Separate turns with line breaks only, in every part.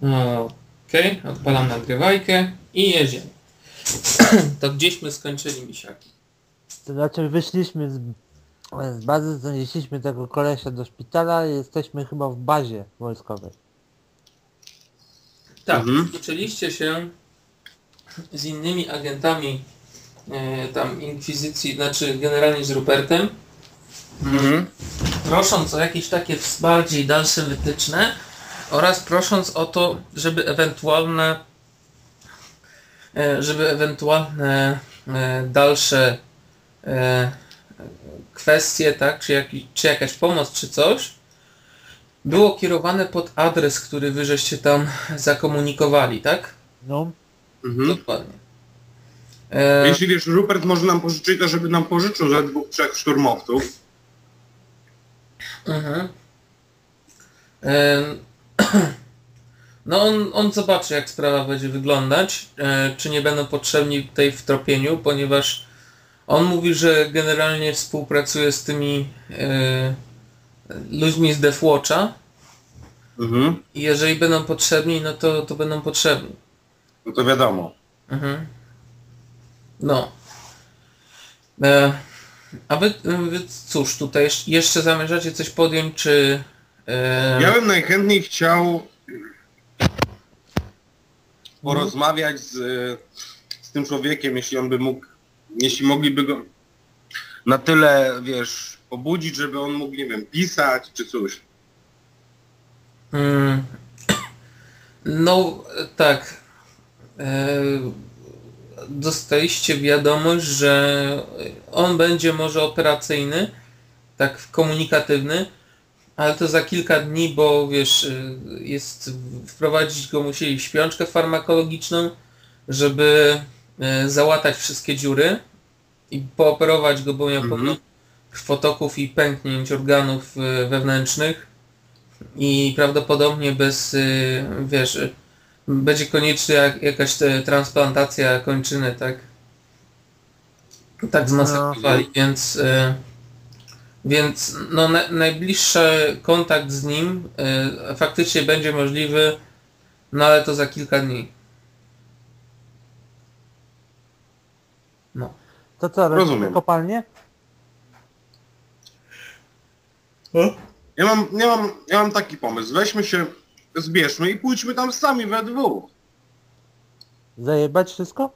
Okej, odpalam nagrywajkę i jedziemy. To gdzieśmy skończyli, misiaki?
To znaczy wyszliśmy z bazy, zanieśliśmy tego kolesia do szpitala i jesteśmy chyba w bazie wojskowej.
Tak, uczyliście się z innymi agentami tam Inkwizycji, znaczy generalnie z Rupertem, prosząc o jakieś takie bardziej dalsze wytyczne oraz prosząc o to, żeby ewentualne dalsze kwestie, tak, czy jakaś pomoc, czy coś było kierowane pod adres, który wy żeście tam zakomunikowali, tak?
No.
Dokładnie.
Jeśli wiesz, Rupert może nam pożyczyć, to żeby nam pożyczył za 2-3 szturmowców.
No on zobaczy, jak sprawa będzie wyglądać, czy nie będą potrzebni tutaj w tropieniu, ponieważ on mówi, że generalnie współpracuje z tymi ludźmi z Deathwatcha i jeżeli będą potrzebni, no to będą potrzebni.
No to wiadomo.
No. A wy cóż, tutaj jeszcze zamierzacie coś podjąć, czy...
Ja bym najchętniej chciał porozmawiać z tym człowiekiem, jeśli on by mógł, jeśli mogliby go na tyle, wiesz, obudzić, żeby on mógł, nie wiem, pisać czy coś.
No, tak. Dostaliście wiadomość, że on będzie może operacyjny, tak komunikatywny, ale to za kilka dni, bo wiesz, wprowadzić go musieli w śpiączkę farmakologiczną, żeby załatać wszystkie dziury i pooperować go, bo miał pełno krwotoków i pęknięć organów wewnętrznych i prawdopodobnie bez, wiesz, będzie konieczna jakaś transplantacja kończyny, tak? Tak zmasakrowali, więc no, najbliższy kontakt z nim faktycznie będzie możliwy, no ale to za kilka dni. No.
To co,
Rozumiem.
kopalnię?
Ja mam taki pomysł. Weźmy się, zbierzmy i pójdźmy tam sami we dwóch.
Zajebać wszystko?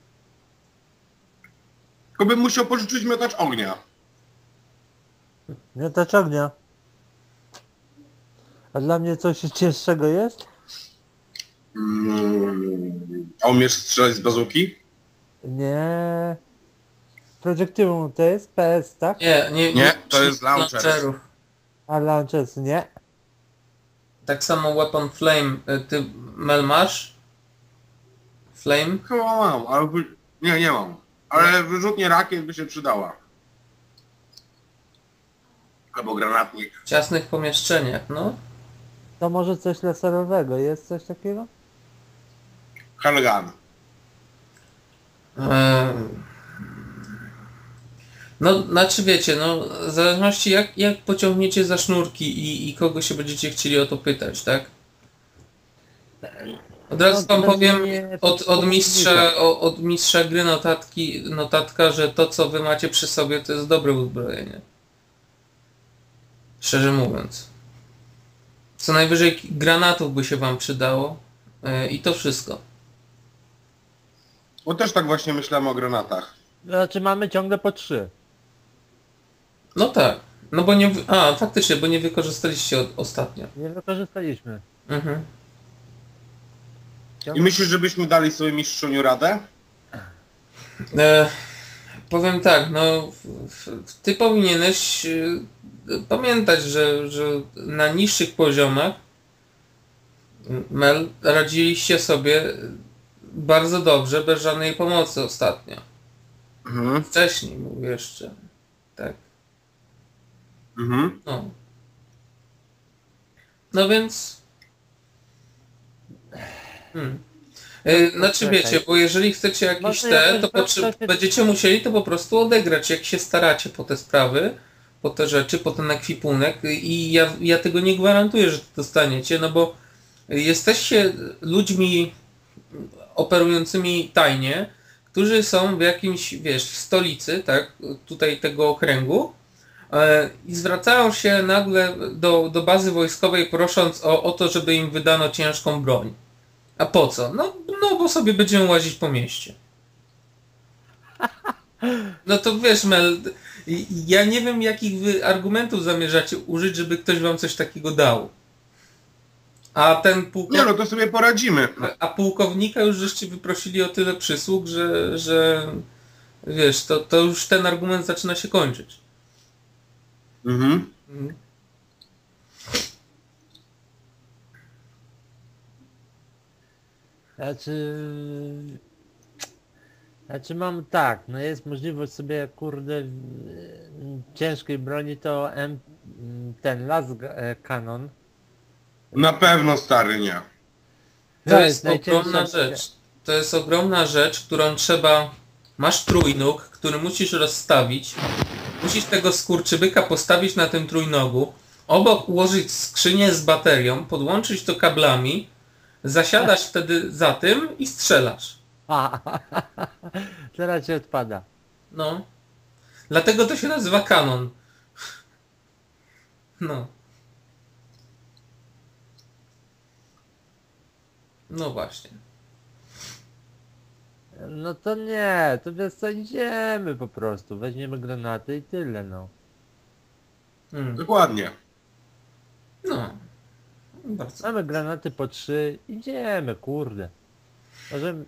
Tylko bym musiał pożyczyć miotacz ognia.
Miotacz ognia. A dla mnie coś cięższego jest?
A umiesz strzelać z bazuki?
Nie. Projektywum to jest PS, tak?
Nie, to jest launcher.
A launchers nie.
Tak samo Weapon Flame, ty Mel masz? Flame?
Chyba mam, ale... Nie mam. Ale wyrzutnie rakiet by się przydała. Albo granatnik.
W ciasnych pomieszczeniach, no.
To może coś laserowego, jest coś takiego?
Handgun.
No, znaczy wiecie, no, w zależności jak pociągniecie za sznurki i kogo się będziecie chcieli o to pytać, tak? Od razu wam powiem od mistrza gry notatka, że to co wy macie przy sobie to jest dobre uzbrojenie. Szczerze mówiąc. Co najwyżej granatów by się wam przydało i to wszystko.
Bo też tak właśnie myślałem o granatach.
Znaczy mamy ciągle po 3.
No tak. No bo faktycznie, bo nie wykorzystaliście ostatnio.
Nie wykorzystaliśmy.
I myślisz, żebyśmy dali sobie mistrzuniu radę?
Powiem tak, no ty powinieneś pamiętać, że na niższych poziomach Mel radziliście sobie bardzo dobrze, bez żadnej pomocy ostatnio. Wcześniej mówię jeszcze. Tak. No. No więc... Znaczy wiecie, bo jeżeli chcecie jakieś będziecie musieli to po prostu odegrać, jak się staracie po te sprawy, po te rzeczy, po ten ekwipunek i ja tego nie gwarantuję, że to dostaniecie, no bo jesteście ludźmi operującymi tajnie, którzy są w jakimś, wiesz, w stolicy, tak, tutaj tego okręgu i zwracają się nagle do bazy wojskowej prosząc o to, żeby im wydano ciężką broń. A po co? No bo sobie będziemy łazić po mieście. No to wiesz, Mel, ja nie wiem, jakich wy argumentów zamierzacie użyć, żeby ktoś wam coś takiego dał. A ten
Nie no, to sobie poradzimy.
A pułkownika już żeście wyprosili o tyle przysług, że wiesz, to już ten argument zaczyna się kończyć.
Mhm.
Znaczy mam tak, no jest możliwość sobie kurde ciężkiej broni to ten las kanon.
Na pewno stary nie.
To jest
najcięższa
ogromna rzecz. To jest ogromna rzecz, którą trzeba... Masz trójnóg, który musisz rozstawić. Musisz tego skurczybyka postawić na tym trójnogu. Obok ułożyć skrzynię z baterią, podłączyć to kablami. Zasiadasz wtedy za tym i strzelasz.
Teraz się odpada.
No. Dlatego to się nazywa kanon. No. No właśnie.
No to nie, to wiesz co, idziemy po prostu, weźmiemy granaty i tyle no.
Dokładnie.
No. Bardzo.
Mamy granaty po 3, idziemy kurde. Możemy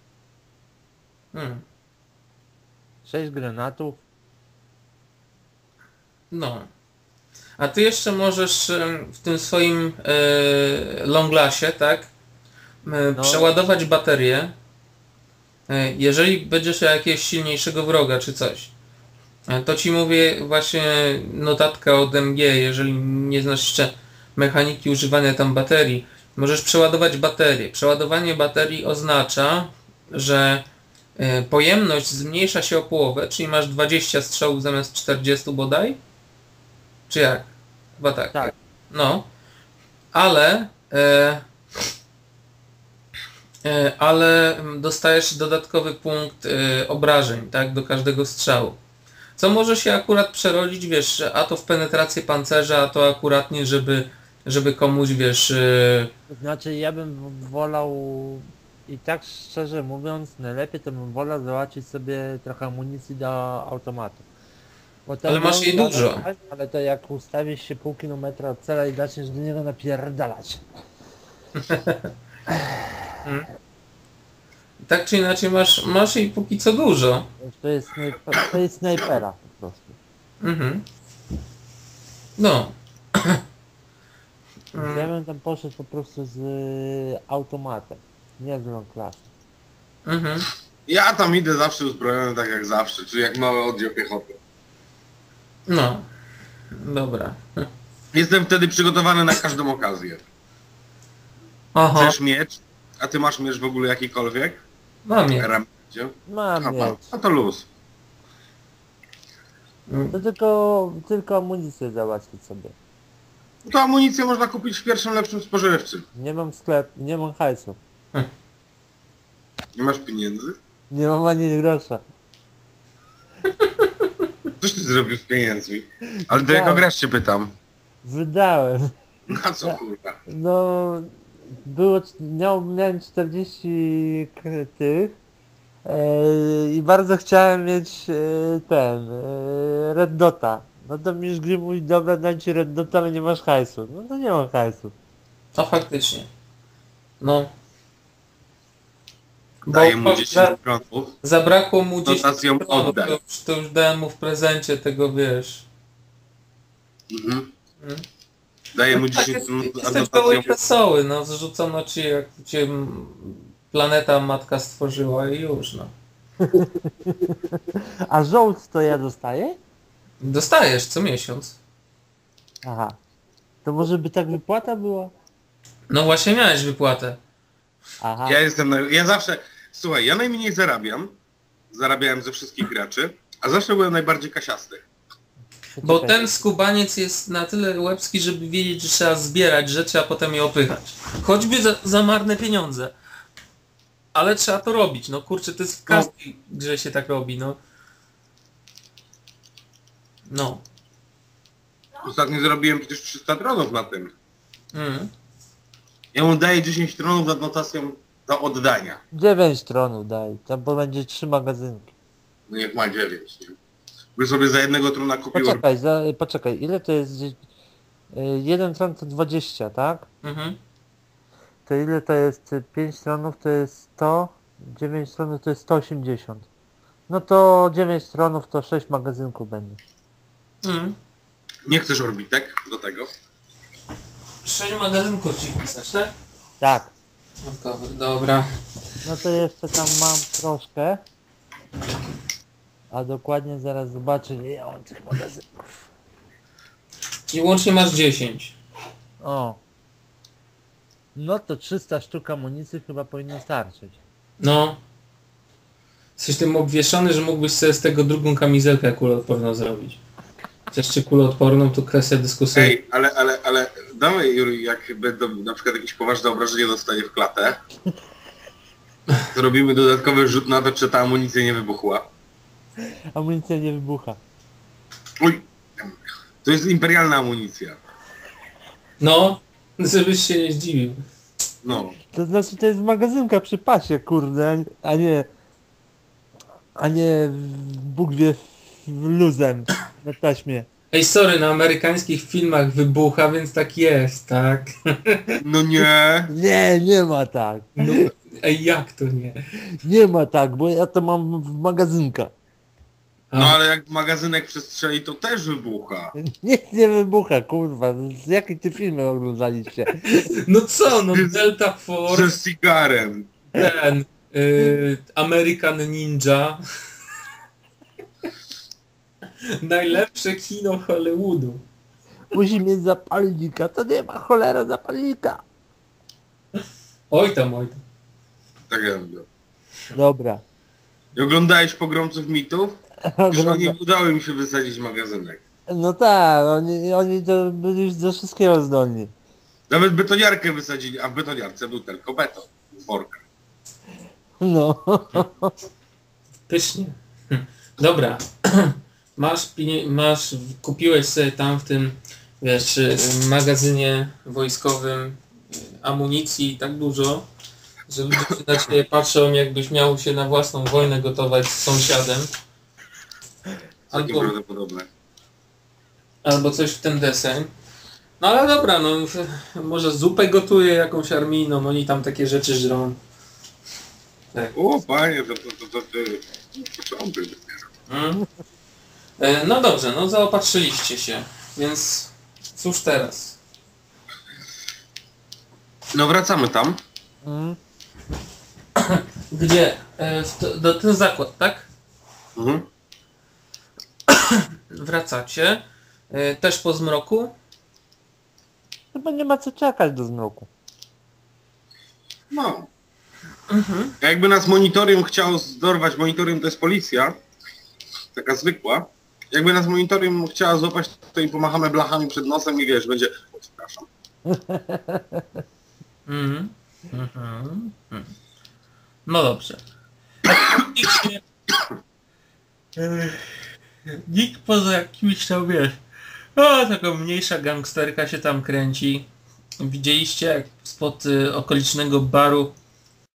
6 granatów.
No. A ty jeszcze możesz w tym swoim longlassie, tak? Przeładować baterię. Jeżeli będziesz miał jakiegoś silniejszego wroga czy coś. To ci mówię właśnie notatka od MG, jeżeli nie znasz jeszcze mechaniki używania tam baterii. Możesz przeładować baterię. Przeładowanie baterii oznacza, że pojemność zmniejsza się o połowę, czyli masz 20 strzałów zamiast 40 bodaj? Czy jak? Chyba tak.
Tak.
No. Ale dostajesz dodatkowy punkt obrażeń, tak? Do każdego strzału. Co może się akurat przerodzić, wiesz, a to w penetrację pancerza, a to akuratnie, żeby komuś, wiesz...
To znaczy ja bym wolał i tak szczerze mówiąc, najlepiej to bym wolał załatwić sobie trochę amunicji do automatu. Bo ten
Ale masz jej dużo.
Ale to jak ustawisz się pół kilometra od cela i zaczniesz do niego napierdalać.
Tak czy inaczej masz jej póki co dużo.
To jest snajpera po prostu.
Mhm. No.
Ja bym tam poszedł po prostu z automatem, nie z long class.
Mhm.
Ja tam idę zawsze uzbrojony tak jak zawsze, czyli jak mały oddział piechoty.
No. Dobra.
Jestem wtedy przygotowany na każdą okazję.
Aha.
Chcesz miecz? A ty masz miecz w ogóle jakikolwiek?
Mam je.
Mam mieć.
No to luz.
To tylko amunicję załatwić sobie.
To amunicję można kupić w pierwszym lepszym spożywczym.
Nie mam sklepu, nie mam hajsu.
Nie masz pieniędzy?
Nie mam ani grosza.
Coś ty zrobił z pieniędzmi? Ale do
Tak.
jakiego grasz się pytam?
Wydałem.
Na co kurwa?
No, miałem 40 tych i bardzo chciałem mieć Red Dota. No to mi już gry mówi, dobra, dam ci Red Dota, ale nie masz hajsu. No to nie mam hajsu.
No faktycznie. No.
Daję mu 10 prądów.
Zabrakło mu 10
Dotacją
kronów,
oddaj.
to już dałem mu w prezencie tego, wiesz.
Mhm. Daję mu 10 prądów, a
Jesteś goły i
dotacją...
wesoły, no zrzucono ci jak cię planeta matka stworzyła i już, no.
A żołd to ja dostaję?
Dostajesz co miesiąc.
Aha. To może by tak wypłata była?
No właśnie miałeś wypłatę.
Aha.
Ja zawsze... Słuchaj, ja najmniej zarabiam. Zarabiałem ze wszystkich graczy, a zawsze byłem najbardziej kasiasty.
Bo
Poczekaj.
ten skubaniec jest na tyle łebski, żeby wiedzieć, że trzeba zbierać rzeczy, a potem je opychać. Choćby za marne pieniądze. Ale trzeba to robić, no kurczę, to jest w każdej grze się tak robi, no. No.
Ostatnio zrobiłem przecież 300 tronów na tym.
Mm.
Ja mu daję 10 tronów z adnotacją do oddania.
9 tronów daj, tam bo będzie 3 magazynki.
No niech ma 9, nie? By sobie za jednego trona kupił...
Poczekaj, ile to jest? 1 tron to 20, tak?
Mhm.
To ile to jest? 5 tronów to jest 100, 9 tronów to jest 180. No to 9 tronów to 6 magazynków będzie.
Mm.
Nie chcesz orbitek do tego?
6 magazynków ci pisać, tak?
Tak.
No dobra.
No to jeszcze tam mam troszkę. A dokładnie zaraz zobaczę, ile ja mam tych magazynków.
I łącznie masz 10.
O. No to 300 sztuk amunicji chyba powinno starczyć.
No. Jesteś tym obwieszony, że mógłbyś sobie z tego drugą kamizelkę kuloodporną zrobić. Chociaż czy kuloodporną to kwestia dyskusyjna.
Ej, ale dawaj Juri, jak będą na przykład jakieś poważne obrażenie dostanie w klatę, to robimy dodatkowy rzut na to, czy ta amunicja nie wybuchła.
Amunicja nie wybucha.
Uj, to jest imperialna amunicja.
No, żebyś się nie zdziwił.
No.
To znaczy to jest magazynka przy pasie, kurde, a nie Bóg wie luzem na taśmie.
Ej, sorry, na amerykańskich filmach wybucha, więc tak jest, tak?
No nie.
Nie ma tak.
No, ej, jak to nie?
Nie ma tak, bo ja to mam w magazynka.
No ale jak magazynek przestrzeli, to też wybucha.
Nic nie wybucha, kurwa. Z jakiej ty filmy oglądaliście?
No co, no Delta
Ze
Force,
cigarem.
ten, American Ninja. Najlepsze kino Hollywoodu.
Musi mieć zapalnika, to nie ma cholera zapalnika.
Oj tam, oj tam.
Tak ja mówię.
Dobra.
I oglądałeś Pogromców Mitów? Że
Ogląda-
nie udało im się wysadzić magazynek.
No tak, oni to byli już do wszystkiego zdolni.
Nawet betoniarkę wysadzili, a w betoniarce był tylko beton. Z worka.
No.
Pysznie. Dobra. Kupiłeś sobie tam w tym, wiesz, magazynie wojskowym amunicji tak dużo, że ludzie się na ciebie patrzą, jakbyś miał się na własną wojnę gotować z sąsiadem.
Takie
Albo,
prawdopodobne.
albo coś w ten deseń. No ale dobra, no może zupę gotuje jakąś armijną, oni tam takie rzeczy żrą. Tak.
O panie, to ty... Początek.
Mm. No dobrze, no zaopatrzyliście się, więc cóż teraz?
No wracamy tam.
Mm.
Gdzie? Do ten zakład, tak?
Mhm.
Wracacie. Też po zmroku?
Chyba nie ma co czekać do zmroku.
No. Jakby nas monitorium chciał zdorwać, monitorium to jest policja, taka zwykła. Jakby nas monitorium chciała złapać, to im pomachamy blachami przed nosem i wiesz, będzie... O, przepraszam.
Mhm. Mhm. No dobrze. Nikt poza jakimś tam, wiesz, taka mniejsza gangsterka się tam kręci. Widzieliście, jak spod okolicznego baru